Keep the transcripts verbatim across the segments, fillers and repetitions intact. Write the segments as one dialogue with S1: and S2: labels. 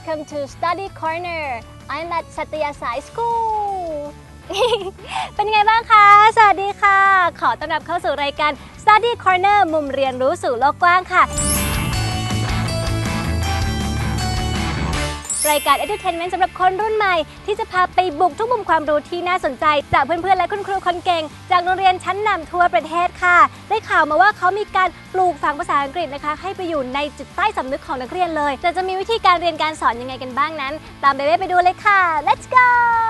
S1: Welcome to Study Corner. I'm at Satyasai School. เป็นยังไงบ้างคะสวัสดีค่ะขอต้อนรับเข้าสู่รายการ Study Corner มุมเรียนรู้สู่โลกกว้างค่ะรายการ Edutainment สำหรับคนรุ่นใหม่ที่จะพาไปบุกทุกมุมความรู้ที่น่าสนใจจากเพื่อนๆและคุณครูคนเก่งจากโรงเรียนชั้นนำทั่วประเทศค่ะได้ข่าวมาว่าเขามีการปลูกฝังภาษาอังกฤษนะคะให้ไปอยู่ในจิตใต้สำนึกของนักเรียนเลยแต่จะมีวิธีการเรียนการสอนยังไงกันบ้างนั้นตามเบเบ้ไปดูเลยค่ะ Let's go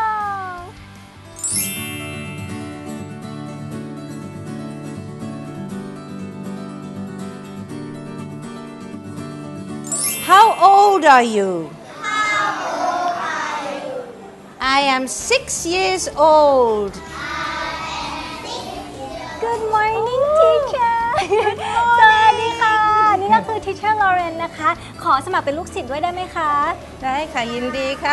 S2: How old are you? I am six years old.
S1: Good morning teacher สวัสดีค่ะนี่ก็คือ teacher Lauren นะคะขอสมัครเป็นลูกศิษย์ด้วยได้ไหมคะ
S2: ได้ค่ะยินดีค่ะ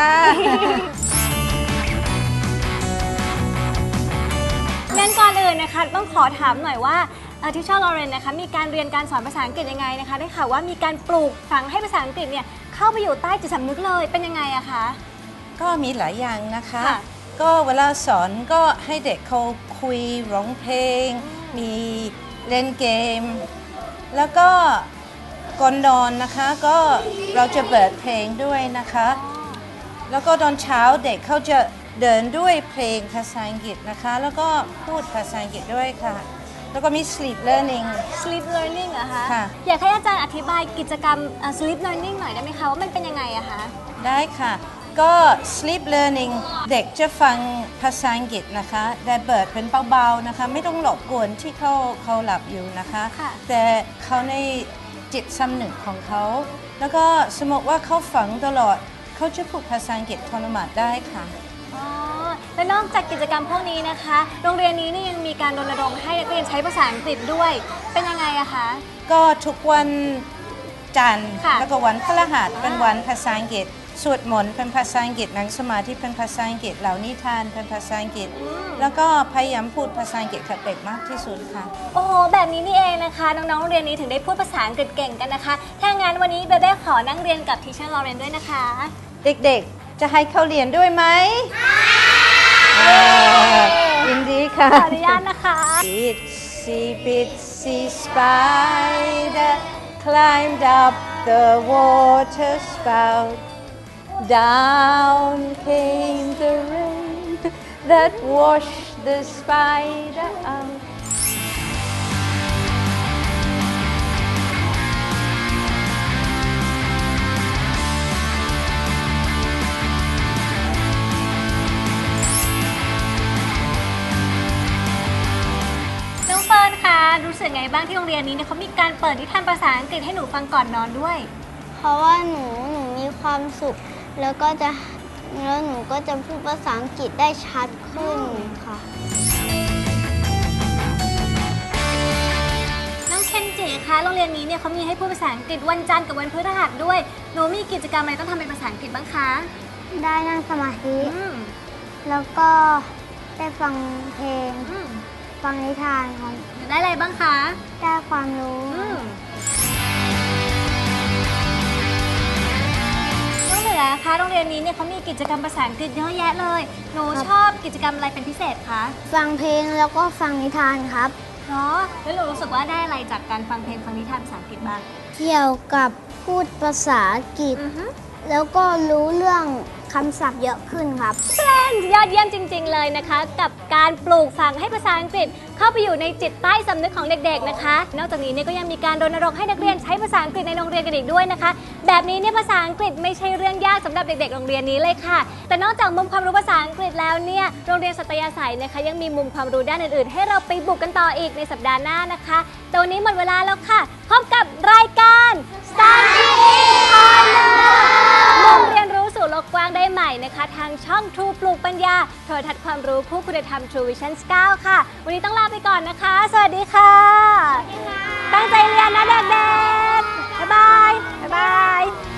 S1: งั้นก่อนอื่นนะคะต้องขอถามหน่อยว่าteacher Lauren นะคะมีการเรียนการสอนภาษาอังกฤษยังไงนะคะได้ข่าวว่ามีการปลูกฝังให้ภาษาอังกฤษเนี่ยเข้าไปอยู่ใต้จิตสำนึกเลยเป็นยังไงอะคะ
S2: ก็มีหลายอย่างนะคะก็เวลาสอนก็ให้เด็กเขาคุยร้องเพลงมีเล่นเกมแล้วก็ก่อนนอนนะคะก็เราจะเปิดเพลงด้วยนะคะแล้วก็ตอนเช้าเด็กเขาจะเดินด้วยเพลงภาษาอังกฤษนะคะแล้วก็พูดภาษาอังกฤษด้วยค่ะแล้วก็มี sleep learning
S1: sleep learning เหรอคะ
S2: ค่ะ
S1: อยากให้อาจารย์อธิบายกิจกรรม sleep learning หน่อยได้ไหมคะว่ามันเป็นยังไงอะคะ
S2: ได้ค่ะก็ sleep learning เด็กจะฟังภาษาอังกฤษนะคะแต่เปิดเป็นเบาๆนะคะไม่ต้องหลบกวนที่เขาเขาหลับอยู่นะคะแต่เขาในจิตสำนึกของเขาแล้วก็สมมติว่าเขาฟังตลอดเขาจะพูดภาษาอังกฤษอัตโนมัติได้ค่ะ
S1: อ๋อและนอกจากกิจกรรมพวกนี้นะคะโรงเรียนนี้นี่ยังมีการรณรงค์ให้นักเรียนใช้ภาษาอังกฤษด้วยเป็นยังไงอะคะ
S2: ก็ทุกวันจันทร์แล้วก็วันพฤหัสเป็นวันภาษาอังกฤษสวดมนต์เป็นภาษาอังกฤษนั่งสมาธิเป็นภาษาอังกฤษเหล่านิทานเป็นภาษาอังกฤษแล้วก็พยายามพูดภาษาอังกฤษกับเด็กมากที่สุดค่ะ
S1: โอ้โหแบบนี้นี่เองนะคะน้องๆโรงเรียนนี้ถึงได้พูดภาษาอังกฤษเก่งกันนะคะถ้างั้นวันนี้เบเบ้ขอนั่งเรียนกับทีเชอร์ลอเรนด้วยนะคะ
S2: เด็กๆจะให้เขาเรียนด้วยไหมยินดีค่ะ
S1: ขออนุญาตนะคะ
S2: Itsy bitsy spider climbed up the water spout Down came the rain that washed the spider out น้องเฟิร์นคะรู้สึกไงบ้างที่โรงเรียนนี้เนี่ยเขามีการเปิดนิทานภาษาอังกฤษให้หนูฟังก่อนนอนด้วย
S3: เพราะว่าหนูหนูมีความสุขแล้วก็จะแล้วหนูก็จะพูดภาษาอังกฤษได้ชัดขึ้นค่ะ
S1: น้องเคนจิคะโรงเรียนนี้เนี่ยเขามีให้พูดภาษาอังกฤษวันจันทร์กับวันพฤหัสด้วยหนูมีกิจกรรมอะไรต้องทำเป็นภาษาอังกฤษบ้างคะ
S3: ได้นั่งสมาธิแล้วก็ได้ฟังเพลงฟังนิทานค่ะ
S1: ได้อะไรบ้างคะ
S3: ได้ความรู้
S1: นะคะโรงเรียนนี้เนี่ยเขามีกิจกรรมภาษาอังกฤษเยอะแยะเลยหนูชอบกิจกรรมอะไรเป็นพิเศษคะ
S3: ฟังเพลงแล้วก็ฟังนิทานครับ
S1: เนาะแล้วหนูรู้สึกว่าได้อะไรจากการฟังเพลงฟังนิทานภาษาอังกฤษบ้าง
S3: เกี่ยวกับพูดภาษาอังกฤษแล้วก็รู้เรื่องคำศัพท์เยอะขึ้นครับ
S1: เพื่อนยอดเยี่ยมจริงๆเลยนะคะกับการปลูกฝังให้ภาษาอังกฤษเข้าไปอยู่ในจิตใต้สำนึกของเด็กๆนะคะนอกจากนี้เนี่ยก็ยังมีการรณรงค์ให้นักเรียนใช้ภาษาอังกฤษในโรงเรียนกันอีกด้วยนะคะแบบนี้เนี่ยภาษาอังกฤษไม่ใช่เรื่องยากสำหรับเด็กๆโรงเรียนนี้เลยค่ะแต่นอกจากมุมความรู้ภาษาอังกฤษแล้วเนี่ยโรงเรียนสัตยาสัยนะคะยังมีมุมความรู้ด้านอื่นๆให้เราไปบุกกันต่ออีกในสัปดาห์หน้านะคะตอนนี้หมดเวลาแล้วค่ะพบกับรายการ Study Corner มุมเรียนรู้สู่โลกกว้างได้ใหม่นะคะทางช่อง True ปลูกปัญญาโทรทัศน์ความรู้คู่คุณธรรม True Vision เก้าค่ะวันนี้ต้องลาไปก่อนนะคะสวัสดีค่ะตั้งใจเรียนนะเด็กๆบ๊ายบายบ๊ายบาย